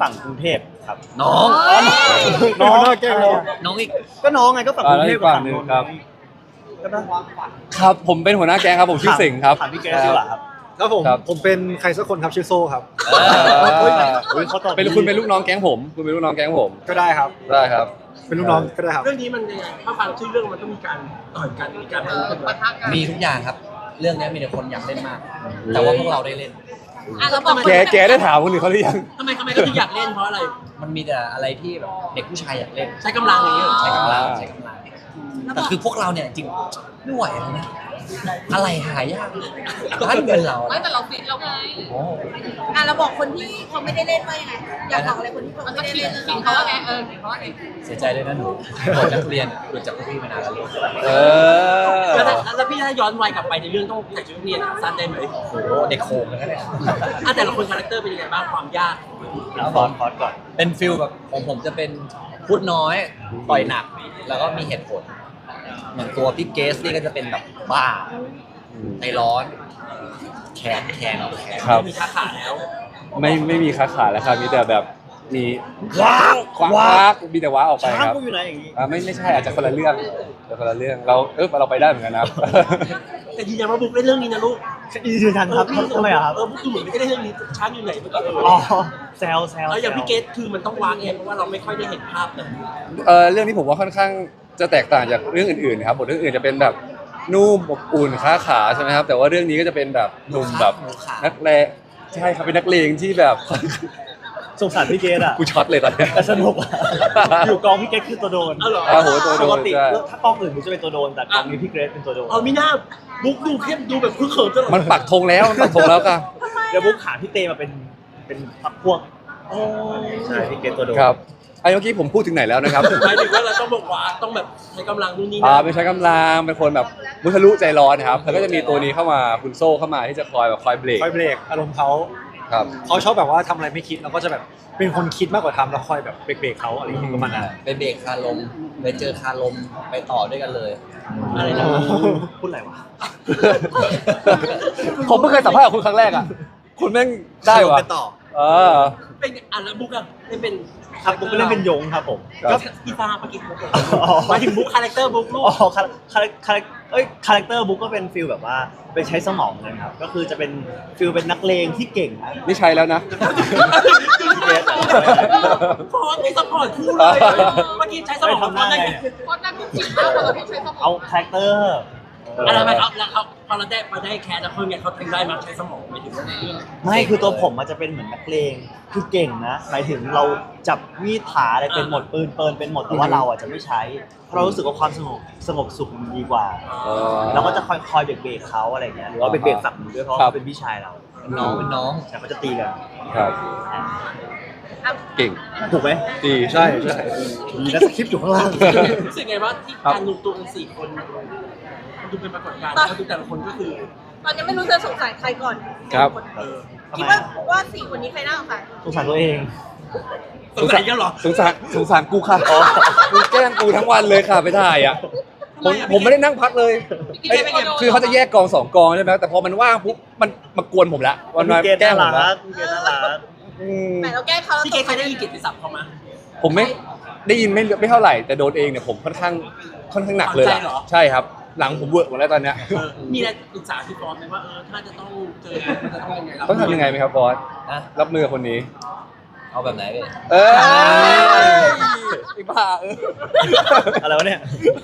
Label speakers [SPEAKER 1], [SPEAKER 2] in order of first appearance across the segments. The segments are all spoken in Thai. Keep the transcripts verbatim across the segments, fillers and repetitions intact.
[SPEAKER 1] ฝั่งกรุงเทพครับ
[SPEAKER 2] น้อง
[SPEAKER 1] น้องแก้ว
[SPEAKER 2] น้องอีก
[SPEAKER 1] ก็น้องไงก็ฝั่งกรุงเทพกับฝั่งนนท์ครับ
[SPEAKER 3] ครับผมเป็นหัวหน้าแก๊งครับผมชื่อสิงห์ครับ
[SPEAKER 1] ถามพี่แกดีกว่าครับ
[SPEAKER 4] ครับผมผมเป็นใครสักคนครับชื่อโซ่ครับ
[SPEAKER 3] เป็นคุณเป็นลูกน้องแก๊งผมคุณเป็นลูกน้องแก๊งผม
[SPEAKER 4] ก็ได้ครับ
[SPEAKER 3] ได้ครับ
[SPEAKER 4] เป็นลูกน้องก็ได้ครับ
[SPEAKER 5] เรื่องนี้มันยังไงถ้าฟังชื่อเรื่องมันต้องมีการต่อยกันมีการปะทะกัน
[SPEAKER 2] มีทุกอย่างครับเรื่องนี้มีแต่คนอยากเล่นมากแต่ว่าพวกเราได้เล่น
[SPEAKER 6] อ่ะเราบอก
[SPEAKER 3] แกแกได้ถามคนอื่นเขาหรือยัง
[SPEAKER 5] ทำไมทำไมก็ถึงอยากเล่นเพราะอะไร
[SPEAKER 2] มันมีแต่อะไรที่แบบเด็กผู้ชายอยากเล่น
[SPEAKER 5] ใช้กำลังอย่างนี้
[SPEAKER 2] ใช้กำลังใช้กำลังแต่คือพวกเราเนี่ยจริงไม่ไหวแล้วนะอะไรหายากบ้านเงินเรา
[SPEAKER 6] ไม่แต่เราฟิตเราไง
[SPEAKER 7] อ่ะเราบอกคนที่เขาไม่ได้เล่นว่ายังไงอยากบอกอะไรคนที่เขาไม่ได้เล่น
[SPEAKER 6] ขิงเขาว่าไงเออขิงเขาว่าไง
[SPEAKER 2] เสียใจด้วยนะหนูโดนนักเรียนหลุดจากพวกพี่มานานแล้วลูก
[SPEAKER 3] เออ
[SPEAKER 5] แล้วพี่ถ้าย้อนวัยกลับไปในเรื่องต้องใส่ชุดนักเรียนสั้นได้ไหม
[SPEAKER 2] โอ้โหเด็กโคงเลยนะเนี่ย
[SPEAKER 5] อ่ะแต่ละคนคาแรคเตอร์เป็นยังไงบ้างความยาก
[SPEAKER 1] คอร์สคอร์สก่อน
[SPEAKER 2] เป็นฟิลแบบของผมจะเป็นพูดน้อยต่อยหนักแล้วก็มีเหตุผลเหมือนตัวพี่เกสนี่ก็จะเป็นแบบบ้าใจร้อนแขนแขนเอาแขน
[SPEAKER 5] ไม่มีขาขาแล้ว
[SPEAKER 3] ไม่ไม่มีขาขาแล้วครับมีแต่แบบมีว้าวว้าวมีแต่ว้าออกไปครับ
[SPEAKER 1] ช้างกูอยู่ไหนอย่างนี้
[SPEAKER 3] อ่าไม่ไม่ใช่อาจจะคนละเรื่องคนละเรื่องเราเออเราไปได้เหมือนกันนะ
[SPEAKER 5] แต่ยืนยันว่าบุ๊กเล่นเรื่องนี้นะลูก
[SPEAKER 1] ยืนยันครับทำไมครับ
[SPEAKER 5] เออบุ๊กดูเหมือนไม่ได้เรื่องนี้ช้างอยู่ไหน
[SPEAKER 1] อ๋อแซวแซว
[SPEAKER 5] แล้วอย่างพี่เกสคือมันต้องวางเองเพราะว่าเราไม่ค่อยได้เห็นภาพแต่
[SPEAKER 3] เออเรื่องนี้ผมว่าค่อนข้างจะแตกต่างจากเรื่องอื่นๆนะครับบทเรื่องอื่นจะเป็นแบบนุ่มอบอุ่นค้าขาใช่ไหมครับแต่ว่าเรื่องนี้ก็จะเป็นแบบหนุ่มแบบนักเลงใช่ครับเป็นนักเลงที่แบบ
[SPEAKER 1] สงสารพี่เกดอ่ะ
[SPEAKER 3] กูช็อตเลยตอนนี้
[SPEAKER 1] แต่สนุกอยู่กองพี่เกดคือตัวโดน
[SPEAKER 5] อ๋อเหรอ
[SPEAKER 3] โหตัวโดน
[SPEAKER 1] ปกติถ้ากองอื่นมันจะเป็นตัวโดนแต่กองนี้พี่เกดเป็นตัวโดน
[SPEAKER 5] อ๋อมีหน้าบุ๊กดูเข้มดูแบบคุ้นเคยตลอด
[SPEAKER 3] มันปักธงแล้วมันปักธงแล้วกัน
[SPEAKER 1] เดี๋ยวบุ๊กขาพี่เตมาเป็นเป็นพักพวก
[SPEAKER 5] อ๋อ
[SPEAKER 1] ใช่พี่เกดตัวโดน
[SPEAKER 3] ครับไอ้เมื่อกี้ผมพูดถึงไหนแล้วนะครับ
[SPEAKER 5] หมายถึงว่าเราต้องบอกว่าต้องแบบใช้กำลังนู่นนี่
[SPEAKER 3] นะอ่าไม่ใช้กำลังเป็นคนแบบมุทะลุใจร้อนนะครับแล้วก็จะมีตัวนี้เข้ามาคุณโซ่เข้ามาที่จะคอยแบบคอยเบรก
[SPEAKER 4] คอยเบรกอารมณ์เขา
[SPEAKER 3] ครับ
[SPEAKER 4] เขาชอบแบบว่าทำอะไรไม่คิดแล้วก็จะแบบเป็นคนคิดมากกว่าทำแล้วคอยแบบเบรกเขาอะไรอย่างเงี้ยประมาณนั้น
[SPEAKER 2] ไปเบรกคาลมไปเจอคาลมไปต่อด้วยกันเลย
[SPEAKER 5] อะไรนะ
[SPEAKER 1] พูดอะไรวะ
[SPEAKER 3] ผมเพิ่งเคยสัมภาษณ์กับคุณครั้งแรกอ่ะคุณแม่งได้วะ
[SPEAKER 1] ไปต่อ
[SPEAKER 3] เออ
[SPEAKER 5] เป็นอ่ะแล้วบุ๊กอะได้เป็น
[SPEAKER 1] ครับบุ๊กเล่นเป็นยงครับผม
[SPEAKER 5] ก็พี่ฟ้าเมื่อกี้บุ๊กหมายถึงบุ๊กคาแรคเตอร์บุ๊กลูก
[SPEAKER 1] อ๋อคาคาคาเอ้ยคาแรคเตอร์บุ๊กก็เป็นฟิลแบบว่าเป็นใช้สมองเลยครับก็คือจะเป็นฟิลเป็นนักเลงที่เก่ง
[SPEAKER 3] นี่ใช้แล้วนะ
[SPEAKER 5] พอไม่ซัพพอร์ตคู่เลยเมื่อกี้ใช้สมองทำได้ไง
[SPEAKER 6] เพราะนั่นทุกสิ่งมากกว่าเราที่ใช้สมอง
[SPEAKER 1] เอาคาแรคเตอร์
[SPEAKER 5] อะไรไหมครับแล้วเขาพอเราได้มาได้แคสแล้วเขาไงเขาถึงได้มาใช้สมองไม่ถึงเรื่อง
[SPEAKER 1] ไม่คือตัวผมมันจะเป็นเหมือนนักเลงคือเก่งนะหมายถึงเราจับมีดถาอะไรเป็นหมดปืนเปิลเป็นหมดแต่ว่าเราอ่ะจะไม่ใช้เพราะเรารู้สึกว่าความสงบสงบสุขมันดีกว่าเราก็จะคอยคอยเบรกเบรกเขาอะไรเงี้ยหรือว่าเบรกเบรกฝั่งด้วยเพราะเขาเป็นพี่ชายเรา
[SPEAKER 2] เป็นน้องเป็นน้อง
[SPEAKER 1] แต่เขาจะตีกัน
[SPEAKER 3] ครับเก่ง
[SPEAKER 1] ถูกไหม
[SPEAKER 3] ดี
[SPEAKER 4] ใช่ใช่
[SPEAKER 1] มีนักสคริปต์อยู่ข้างล่าง
[SPEAKER 5] รู้สึกไงว่าที่การรวมตัวกันสี่คนดูเป็นปรากฏการณ์แล้วดูแต่ละคนก็คือ
[SPEAKER 7] ตอนนี้ไม่รู้จะสงสัยใครก่อน
[SPEAKER 3] ครับ
[SPEAKER 7] คิดว่าว่าสี่คนนี้ใครน่าสงสัย
[SPEAKER 1] สงสัยตัวเอง
[SPEAKER 5] สงสัยกันหรอ
[SPEAKER 3] สงสารสงสารกูค่ะกูแกล้งกูทั้งวันเลยค่ะไปถ่ายอ่ะผมผมไม่ได้นั่งพักเลยคือเขาจะแยกกองสองกองใช่ไหมแต่พอมันว่างปุ๊บมันมากวนผมละ
[SPEAKER 1] วันมาแกล้งผมละแกล้งน่ารัก
[SPEAKER 7] แต่เราแก้เขา
[SPEAKER 5] พี่เกย์เคยได้ยินกิตติศัพท์เขาไหม
[SPEAKER 3] ผมไม่ได้ยินไม่ไม่เท่าไหร่แต่โดนเองเนี่ยผมค่อนข้างค่อนข้างหนักเลยใช่ครับหลังผมเวิร์กหมดแล้วตอนเนี้ย
[SPEAKER 5] มีอะไรปรึกษาพี่บอสไหมว่าเออถ้าจะต้องเจอจะต้องยังไง
[SPEAKER 3] ต้องทำยังไงไหมครับบอสรับมือคนนี้
[SPEAKER 2] เอาแบบไหนเลย
[SPEAKER 3] เออไอ้บ้าเออ
[SPEAKER 1] อะไรวะเนี่ย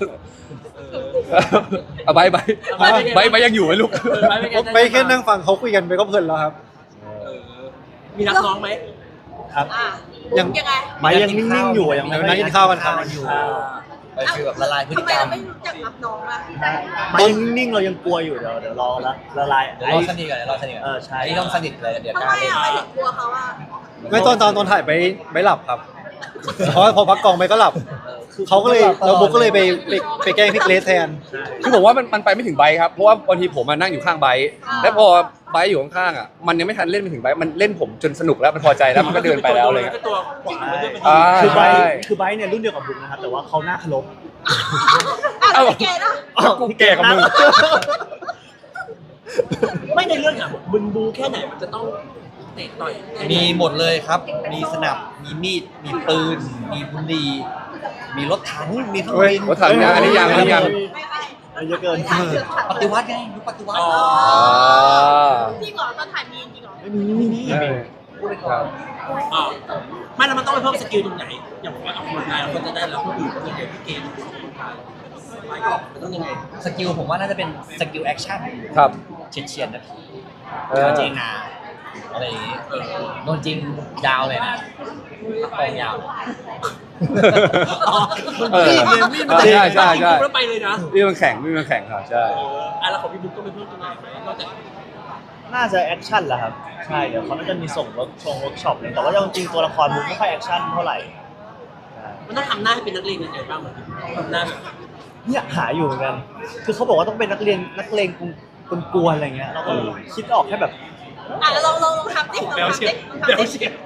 [SPEAKER 3] เอาใบใบใบใบยังอยู่ไหมลูก
[SPEAKER 4] ไปแค่นั่งฟังเขาคุยกันไปก็เพลินแล้วครับ
[SPEAKER 5] มีนักร้องไหม
[SPEAKER 1] ครับ
[SPEAKER 7] ยังยังไง
[SPEAKER 1] ใบยังนิ่งๆอยู่ยัง
[SPEAKER 4] นั่งกินข้าวกันครับ
[SPEAKER 2] อยู่ไปฟีลแบบละลายพฤติกรรม
[SPEAKER 7] ทำไมเราไม่รู้จักรับน้องล่ะ
[SPEAKER 1] ใบยังนิ่งๆเรายังกลัวอยู่เดี๋ยวเดี๋ยวรอละละลาย
[SPEAKER 2] เดี๋ยวรอสนิทกันเดี๋ยวรอสนิทกัน
[SPEAKER 1] เออใช่
[SPEAKER 2] อันนี้ต้องสนิทเลยเดี๋ยว
[SPEAKER 7] กล้าเล่นทำไมอ่ะกลัวเขาอ่ะ
[SPEAKER 4] ไม่ตอนตอนตอนถ่ายไปไม่หลับครับเพราะพอพักกองไปก็หลับเขาก็เลยเราบุ๊กก็เลยไปไปไปแกล้งพี่เกรซแทน
[SPEAKER 3] คือผมว่ามันมันไปไม่ถึงไบครับเพราะว่าบางทีผมมานั่งอยู่ข้างไบแล้วพอไบอยู่ข้างๆอ่ะมันยังไม่ทันเล่นไปถึงไบมันเล่นผมจนสนุกแล้วมันพอใจแล้วมันก็เดินไปแล้วเลย
[SPEAKER 1] คือไบคือไบเนี่ยรุ่นเดียวกับบุ๊กนะครับแต่ว่าเขาหน้าเคารพ
[SPEAKER 7] อ้าวพี่เกดอ่ะ
[SPEAKER 3] กูแก่กับมึง
[SPEAKER 5] ไม่ในเรื่องอ่ะมึงบูแค่ไหนมันจะต้องเตะต่อย
[SPEAKER 2] มีหมดเลยครับ มีสนับมีมีดมีปืน มีบุหรี่มีรถถังมีเครื่อง
[SPEAKER 3] เฮ้ย
[SPEAKER 2] บิน
[SPEAKER 3] รถถังยังอันนี้ยังอันนี้ยัง
[SPEAKER 7] ไม่ไม่
[SPEAKER 1] มันเยอะเกิน
[SPEAKER 7] ถ่ายเยอะค่ะ
[SPEAKER 2] ปฏิวัติไงยุคปฏิวัติ
[SPEAKER 3] อ่า
[SPEAKER 7] จริงเหรอตอนถ่ายมีจริงเหรอ
[SPEAKER 1] ไม่มีไม่มี
[SPEAKER 3] ใช่
[SPEAKER 2] พูดไปก่อน
[SPEAKER 5] อ่าไม่แล้วมันต้องไปเพิ่มสกิลตรงไหน อย่างผมว่าออกกำลังกายเราก็จะได้แล้วคนอื่นก็จะเห็นพี่เกมออกกำลังกายไปก็มันต้องยังไง
[SPEAKER 2] สกิลผมว่าน่าจะเป็นสกิลแอคชั่น
[SPEAKER 3] ครับ
[SPEAKER 2] เฉียดเฉียดๆนาที
[SPEAKER 3] เออ
[SPEAKER 2] โดนจริงนาอะไรอย่างงี้เออโดนจริงยาวเลยนะกองยาว
[SPEAKER 5] อ๋อมัน
[SPEAKER 3] เออ
[SPEAKER 5] มีดเลยมีดมัน
[SPEAKER 3] ใช่ใช่ใช่
[SPEAKER 5] แล้วไปเลยนะ
[SPEAKER 3] นี่มันแข่งนี่มันแข่งครับใช่
[SPEAKER 5] เอออ่ะแล้วของพี่บุ๊กก็ไปเพิ่มตรงไหนไหมนอกจาก
[SPEAKER 1] น่าจะแอคชั่นแหละครับใช่เดี๋ยวเขาน่าจะมีส่งเวิร์กชงเวิร์กช็อปเลยแต่ว่าจริงๆตัวละครมันไม่ค่อยแอคชั่นเท่าไหร่ใช่
[SPEAKER 5] มันต้องทำหน้าให้เป็นนักเรียนยังไงบ้างเหมือนทำหน้าแบบ
[SPEAKER 1] เนี่ยหาอยู่เหมือนกัน คือเขาบอกว่าต้องเป็นนักเรียนนักเลงกวนๆอะไรเงี้ยเราก็คิดออกแค่แบบ
[SPEAKER 7] อ่ะแล้วลองลองลองทำดิลอง
[SPEAKER 5] แบล
[SPEAKER 7] ทำ
[SPEAKER 5] เชี
[SPEAKER 7] ดิ
[SPEAKER 5] ย
[SPEAKER 7] ลอง
[SPEAKER 5] แบล
[SPEAKER 7] ทำดิ
[SPEAKER 5] เชีย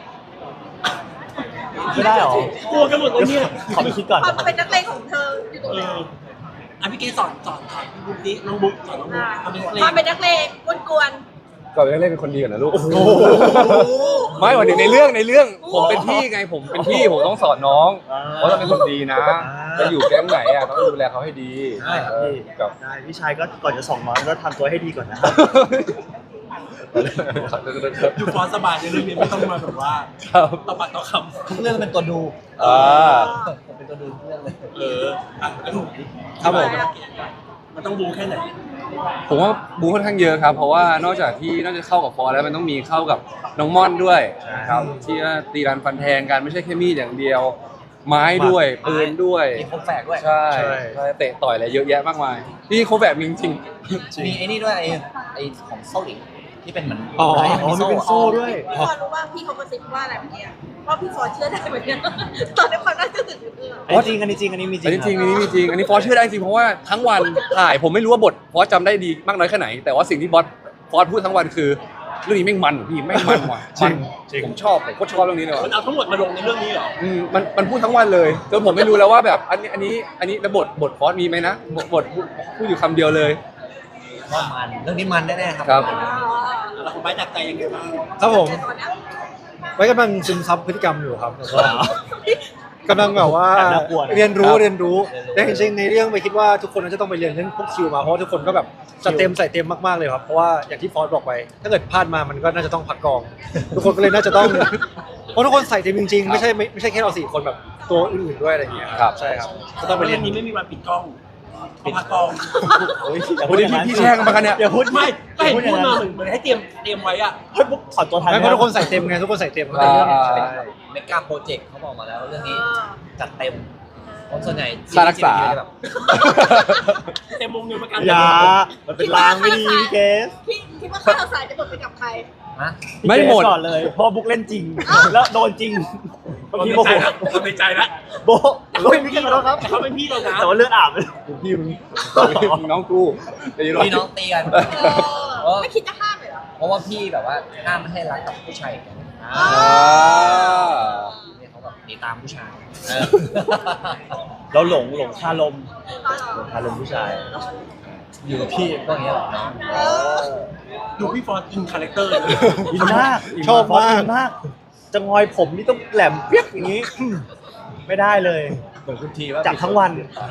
[SPEAKER 1] ไม่ได้หรอก
[SPEAKER 5] ลัวกันหมดเลยเนี่ย
[SPEAKER 1] ขอไปคิดก่อน
[SPEAKER 7] ความเป็นนักเลงของเธออยู่ตรง
[SPEAKER 5] เอ
[SPEAKER 7] ไหน
[SPEAKER 5] ออ่ะพี่เกสอนสอนสอนพี่บุ๊กดิน้องบุ๊กสอนน้องบุ๊กทำเป็นเพลง
[SPEAKER 7] ความเป็นนักเลงกวน
[SPEAKER 3] ก่อนไปเล่นเป็นคนดีก่อนนะลูกไม่หมายถึงในเรื่องในเรื่องผมเป็นพี่ไงผมเป็นพี่ผมต้องสอนน้องว่าต้องเป็นคนดีนะจะอยู่แก๊งไหนอ่ะต้องดูแลเขาให้ดี
[SPEAKER 1] ใช่ครับพี่
[SPEAKER 3] กับ
[SPEAKER 1] ได้พี่ชายก็ก่อนจะส่งน้องก็ทำตัวให้ดีก่อนนะครับ
[SPEAKER 5] อยู่ฟอนสบายในเรื่องนี้ไม่ต้องมาแบบว่า
[SPEAKER 3] ครับ
[SPEAKER 5] ต่อปากต่อค
[SPEAKER 2] ทุกเรื่องเป็นตัวดู
[SPEAKER 3] อ่า
[SPEAKER 2] ผมเป็นตัวดูทุกเรื่องเลย
[SPEAKER 5] ำเอออ่ะแล้วหนู
[SPEAKER 3] ครับผม
[SPEAKER 5] มันต้องบูแค่ไหน
[SPEAKER 3] ผมว่าบูค่อนข้างเยอะครับ เพราะว่านอกจากที่นอกจากเข้ากับฟอร์แล้วมันต้องมีเข้ากับน้องม่อนด้วยครับที่ว่าตีรันฟันแทงกันไม่ใช่แค่มีดอย่างเดียว ไม้ด้วยปืนด้วย
[SPEAKER 2] มีครบแฝกด้วย
[SPEAKER 3] ใช่ใช่เตะต่อยอะไรเยอะแยะมากมายที่เขาแบบมีจริง
[SPEAKER 2] มีไอ้นี่ด้วยไอ้ไอ้ของเซาหลิงที่เป็นเหมือน
[SPEAKER 3] อ๋อ
[SPEAKER 2] ไม้
[SPEAKER 1] อ๋อมีเป็นโซ่ด้วย
[SPEAKER 7] พี่ฟอนรู้ว่าพี่เขากระซิบว่าอะไรเมื่อกี้ว่าพี่ฟอนเชื่อได้เหมือนกันตอนนี้ความน่าเชื่อถือคือ
[SPEAKER 1] อันนี้จริงอันนี้จริงอันนี้มีจริ
[SPEAKER 3] อัน
[SPEAKER 1] ง
[SPEAKER 3] นี้จริงอันนี้มีจริงอันนี้ฟอสเชื่อได้จริงเพราะว่าทั้งวันถ่ายผมไม่รู้ว่าบทฟอสจำได้ดีมากน้อยแค่ไหน แต่ว่าสิ่งที่บอสฟอสพูดทั้งวันคือเรื่องนี้แม่งมันพี่แม่งมันว่ะมันผมชอบผมโคตรชอบเรื่องนี้เลย
[SPEAKER 5] มัน
[SPEAKER 3] ว่ะ
[SPEAKER 5] เอาทั้งหมดมาลงในเรื่องนี้เหรอ
[SPEAKER 3] อืมมันมันพูดทั้งวันเลยจนผมไม่รู้แล้วว่าแบบอันนี้อันนี้อันนี้แล้วบทบทฟอสมีไหมนะบทบทพูดพูดอยู่คำเดียวเลย
[SPEAKER 2] ว่ามันเรื่องนี้มันแน่ๆครับ
[SPEAKER 3] ครับ
[SPEAKER 5] แล้วของไปจากใจยังไงบ้าง
[SPEAKER 4] ครับผม
[SPEAKER 7] ตอนนี้
[SPEAKER 4] ไว้กำลังซึมซับพฤติกรรมอยู่ครับแต่ว่ากำลังแบบว่า
[SPEAKER 1] แอบน่ากลัวนะ
[SPEAKER 4] เรียนรู้
[SPEAKER 3] ครับ
[SPEAKER 4] เรียนรู้แต่จริงๆในเรื่องไปคิดว่าทุกคนน่าจะต้องไปเรียนเรื่องพวกคิวมาเพราะว่าทุกคนก็แบบจัดเต็มใส่เต็มมากๆเลยครับเพราะว่าอย่างที่ฟอสบอกไป ถ้าเกิดพลาดมามันก็น่าจะต้องพักกอง ทุกคนก็เลยน่าจะต้องเพราะทุกคนใส่เต็มจริงๆไม่ใช่ไม่ไม่ใช่แค่เราสี่คนแบบตัวอื่นๆด้วยอะไรอย่างเงี้ย
[SPEAKER 3] ครับ
[SPEAKER 4] ใช่ครับก็ต้องไปเรียน
[SPEAKER 5] เรื่องนี้ไม่มีวันปิดกล้องเอาพักกอง
[SPEAKER 1] โอ้ยอย่า
[SPEAKER 3] โอ้
[SPEAKER 1] พูด
[SPEAKER 3] ย
[SPEAKER 1] อย่างนั้น
[SPEAKER 3] พี่พี่แช่งกันมากันเนี่ย
[SPEAKER 1] อย่าพูด
[SPEAKER 5] ไม่ก็เห็น
[SPEAKER 1] อย่
[SPEAKER 5] พูด
[SPEAKER 1] ง
[SPEAKER 5] มา
[SPEAKER 1] นั้น
[SPEAKER 5] เหมือนเหมือนให้เตรียมเตรียมไว้อะ
[SPEAKER 1] เฮ้ยปุ๊บถอดตัวทัน
[SPEAKER 4] ไม่
[SPEAKER 1] ไห
[SPEAKER 4] เพ
[SPEAKER 1] ม
[SPEAKER 4] ราะทุกคนใส่เต็มไงทุกคนใส่เต็ม
[SPEAKER 3] อ่า
[SPEAKER 4] ใช่
[SPEAKER 2] เมกาโปรเจกต์เขาบอกมาแล้วเรื่องนี้จัดเต็มคนส่วนใหญ่
[SPEAKER 3] ค่ารักษา
[SPEAKER 2] แบบ
[SPEAKER 5] เต็มวงเงินประกัน
[SPEAKER 1] อย่ามันเป็นลางไม่ดีพี่เกส
[SPEAKER 7] คิดคิดว่าข้าวสารจะหมดไปกับใคร
[SPEAKER 2] ฮะ
[SPEAKER 3] ไม่หมด
[SPEAKER 1] พี่เกสก่อนเลยเพราะบุ๊กเล่นจริง แล้วโดนจริงเมื่อ
[SPEAKER 5] เรา
[SPEAKER 1] กี้
[SPEAKER 5] ใน
[SPEAKER 1] โม
[SPEAKER 5] ใจ
[SPEAKER 1] โห
[SPEAKER 5] ละเราในใจละ
[SPEAKER 1] โบะโอ้ยพี่ขอโทษครับ
[SPEAKER 5] แต่เขาเป็นพี่เรานะ
[SPEAKER 1] แต่ว่าเลือดอาบเลยพี่มึง
[SPEAKER 3] น้องกูไอ้ร
[SPEAKER 2] พี่น้องตีกัน
[SPEAKER 7] เออไม่คิดจะห้ามเลยเหรอ
[SPEAKER 2] เพราะว่าพี่แบบว่าห้ามไม่ให้รักกับผู้ชายกันอ่า
[SPEAKER 3] อ่า
[SPEAKER 2] เนี่ยเขาแบบหนีตามผู้ชายเออ
[SPEAKER 1] เราหลงหลงคาลมหลงคาลมผู้ชาย
[SPEAKER 2] อยู่กับพี่ก็อย่างเงี้ยแหละน้อง
[SPEAKER 7] เออ
[SPEAKER 5] ดูพี่ฟอร์ดอินคาแรคเตอร์เลย
[SPEAKER 1] อินมาก
[SPEAKER 4] ชอบมาก
[SPEAKER 1] อินมาก จะงอยผมนี่ต้องแหลมเปียกอย่างนี้ ไม่ได้เลย
[SPEAKER 2] เหมือนคุณทีว่า
[SPEAKER 1] จับทั้งวัน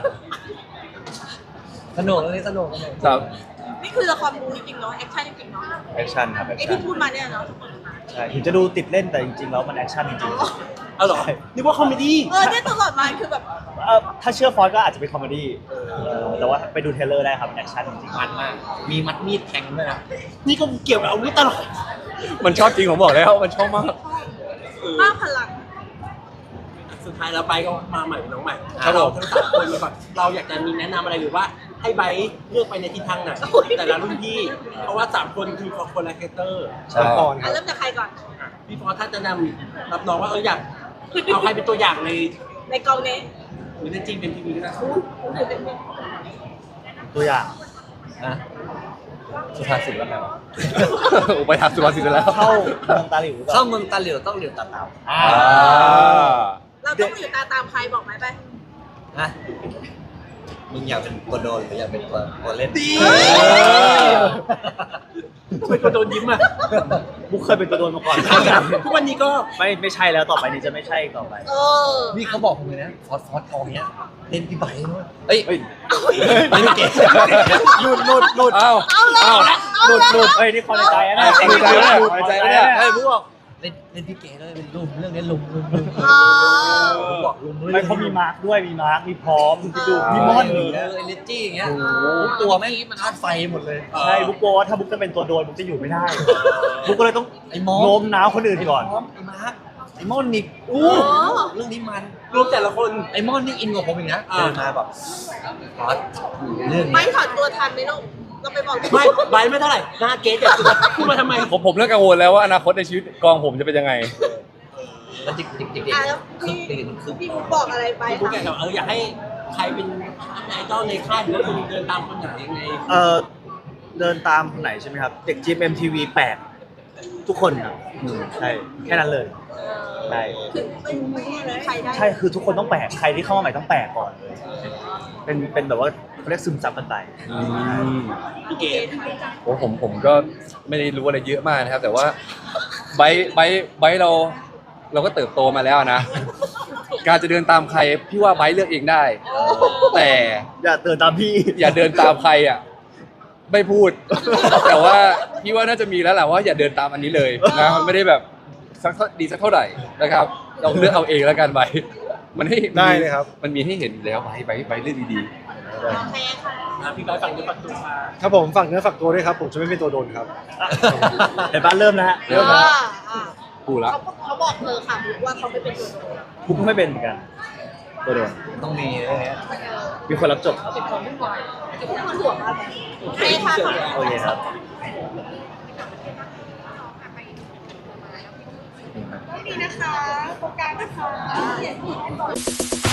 [SPEAKER 2] สนุกเรื่องนี้สนุกสนุก
[SPEAKER 3] ครับ
[SPEAKER 7] นี่คือละครบูจริงๆเนาะแอคชั่นจริงๆเนาะ
[SPEAKER 1] แอคชั่นครับแอค
[SPEAKER 7] ไอ
[SPEAKER 1] ชั่
[SPEAKER 7] ที่
[SPEAKER 1] น
[SPEAKER 7] พูดมาเนี่ยเนาะ
[SPEAKER 1] ใช่ถึงจะดูติดเล่นแต่จริงๆแล้วมันแอคชั่นจริง
[SPEAKER 5] เอาเหรอนึกว่าคอมเมดี้
[SPEAKER 7] เออเนี่ยตลอดมาคือแบบ
[SPEAKER 1] ๆเอ่อถ้าเชื่อฟอนต์ก็อาจจะเป็นคอมเมดี้เออแต่ว่าไปดูเทรลเลอร์ได้ครับแอคชั่นจริง
[SPEAKER 2] มันมาก มีมัดมีดแทงด้วยนะ
[SPEAKER 5] นี่ก็เกี่ยวกับอาวุธตลอด
[SPEAKER 3] มันชอบจริงผมบอกแล้วมันชอบมาก
[SPEAKER 7] มากพลัง
[SPEAKER 5] สุดท้ายเราไปก็มาใหม่เป็นน้องใหม่
[SPEAKER 3] ครับ
[SPEAKER 5] เรา
[SPEAKER 3] ผม
[SPEAKER 5] ทั้งสามคนก่อนเราอยากจะมีแนะนำอะไรหรือว่าให้ไบร์ทเลือกไปในทิศทางไหนแต่ละรุ่นพี่ เพราะว่าสามคนคือคนละคาแรคเตอร์
[SPEAKER 3] ใช่
[SPEAKER 4] ก่อนค
[SPEAKER 7] อ่ะ
[SPEAKER 4] รับ
[SPEAKER 7] เริ่มจากใครก่อน
[SPEAKER 5] พี่ฟอร์ถ้าจะนำรับน้องว่าเอออยากเอาใครเป็นตัวอย่างใน
[SPEAKER 7] ในกองนี้
[SPEAKER 5] หรือในจริงเป็นทีวีก็ได้
[SPEAKER 1] ๆตัวอย่าง
[SPEAKER 2] นะสุภาษิตว่าไงวะ
[SPEAKER 3] โอ้ไปทำสุภาษิตแล้ว
[SPEAKER 1] เข้าเมืองตาหลิวหรือเป
[SPEAKER 2] เข้า
[SPEAKER 1] ล่า
[SPEAKER 2] เมืองตาเหลียวต้องเหลียวตาเตา
[SPEAKER 3] อ่า
[SPEAKER 7] เราต้องอยู่ตาตามใครบอกไหมไป
[SPEAKER 2] ฮะมึงอยากเป็นตัวโดนหรืออยากเป็นตัวตัวเล่น
[SPEAKER 7] ดี
[SPEAKER 2] เ
[SPEAKER 5] เป็นคนโดนยิ้มอ่ะ
[SPEAKER 1] บุ๊กเคยเป็นตัวโดนมาก่อน
[SPEAKER 5] ทุกวันนี้ก็
[SPEAKER 1] ไม่ไม่ใช่แล้วต่อไปนี้จะไม่ใช่อีกต่อไป
[SPEAKER 7] เออ
[SPEAKER 2] นี่เขาบอกผมเลยนะฟอสฟอสทองเนี้ยเล่นพี่ไบค์ด้วยเอ้ย
[SPEAKER 1] เฮ้ย
[SPEAKER 2] เล่นพี่เกส
[SPEAKER 1] หลุดหลุดหลุด
[SPEAKER 3] อ้าว
[SPEAKER 7] เอาเลย
[SPEAKER 3] อ้าว
[SPEAKER 1] หลุดหลุดเฮ้ยนี่ความในใจนะ
[SPEAKER 3] ความในใจนะความในใจนะเนี่ย
[SPEAKER 1] เฮ้ยบุ๊กบอก
[SPEAKER 2] เล่นเล่นพี่เกสด้วยเป็นลุมเรื่องนี้ลุมลุมลุม
[SPEAKER 7] เออ
[SPEAKER 2] ผมบอกลุมด้วย
[SPEAKER 1] ไม่เขามีมาร์คด้วยมีมาร์คมีพร้อมมีดูมีมอน
[SPEAKER 2] เอ
[SPEAKER 1] อย่าง
[SPEAKER 2] อ
[SPEAKER 1] เงี้ย
[SPEAKER 2] เอเนจีอย่างเงี้ยทุกตัวแม่งธาตุไฟหมดเลย
[SPEAKER 1] ใช่บุ๊กกลัวว่าถ้าบุ๊กจะเป็นตัวโดนบุ๊กจะอยู่ไม่ได้บุ๊กก็เลยต้อง
[SPEAKER 2] ไอ้มอส
[SPEAKER 1] โน้มน้าวคนอื่นก่อน
[SPEAKER 2] ไอ้มาร์คไอ้มอนนี่
[SPEAKER 7] โอ้
[SPEAKER 2] เรื่องนี้มัน
[SPEAKER 5] รูปแต่ละคน
[SPEAKER 2] ไอ้มอนนี่อินกว่าผมอีกนะ
[SPEAKER 5] อ่า
[SPEAKER 2] เดินมาแบบฟอสเรื่อง
[SPEAKER 7] ไม่
[SPEAKER 2] นี้
[SPEAKER 7] ถอดตัวทันไหมลูกเราไปบอก
[SPEAKER 5] ไม่ใบไม่เท่าไหร่หน้าเกสเนี่ยพูดมาทำไม
[SPEAKER 3] ผมผมเริ่มกังวลแล้วว่าอนาคตในชีวิตกองผมจะเป็นยังไง
[SPEAKER 2] แล้วจิกจิกจิกจิก
[SPEAKER 7] อ่ะแล้ว
[SPEAKER 2] คือ
[SPEAKER 7] พี่
[SPEAKER 2] ติดคือ
[SPEAKER 7] พี่บุ๊กบอกอะไรไป
[SPEAKER 5] พี่พูดแกกับเอออยากให้ใครเป็นไอดอลในค่ายหรือว่าคุณเดินตามคนไหนยังไง
[SPEAKER 1] เออเดินตามคนไหนใช่ไหมครับเด็กจีเอ็มทีวีแปลกทุกคนครับใช่แค่นั้นเลยใช่
[SPEAKER 7] คือไม่ไม่มีใครได้
[SPEAKER 1] ใช่คือทุกคนต้องแปลกใครที่เข้ามาใหม่ต้องแปลกก่อนเลยเป็นเป็นแบบว่าเขาเรียกซึมซับกันไป
[SPEAKER 5] พี่เกส
[SPEAKER 3] โอ้ผมผมก็ไม่ได้รู้อะไรเยอะมากนะครับ แต่ว่าไบร์ทไบร์ทไบร์ทเราเราก็เติบโตมาแล้วนะ การจะเดินตามใครพี่ว่าไบร์ทเลือกเองได้ แต่
[SPEAKER 1] อย่าเดินตามพี่
[SPEAKER 3] อย่าเดินตามใครอ่ะไม่พูด แต่ว่าพี่ว่าน่าจะมีแล้วแหละว่าอย่าเดินตามอันนี้เลยนะมันไม่ได้แบบสักเท่าดีสักเท่าไหร่นะครับเราเลือกเอาเองแล้วกันไบร์ทมันให้
[SPEAKER 4] ได้เลยครับ
[SPEAKER 3] มันมีให้เห็นอยู่แล้วไบร์ทไบร์ทไบร์ทเลือกดีๆ
[SPEAKER 7] โอเคค่ะ
[SPEAKER 5] อ่ะพี่ใบฝั่งนี้ฝั่งตัวมา
[SPEAKER 4] ครับผมฝากเนื้อฝากตัวด้วยครับผมจะไม่เป็นตัวโดนครับ
[SPEAKER 1] เดี๋ยวบ้านเริ่มนะฮะเริ่มนะฮะ
[SPEAKER 7] อ่า
[SPEAKER 3] กูละ
[SPEAKER 7] เขาเขาบอกเธอค่ะบุ๊กว่าเขาไม่เป็นตัวโดน
[SPEAKER 1] บุ๊กก็ไม่เป็นเหมือนกันตัวโดน
[SPEAKER 2] ต้องมีเรื่องนี้
[SPEAKER 1] มีคนรับจบครับ
[SPEAKER 7] บุ๊กมันห่วงอะไรโอเคค่ะ
[SPEAKER 1] โอเคครับ
[SPEAKER 7] ดีนะคะโครงการนะคะ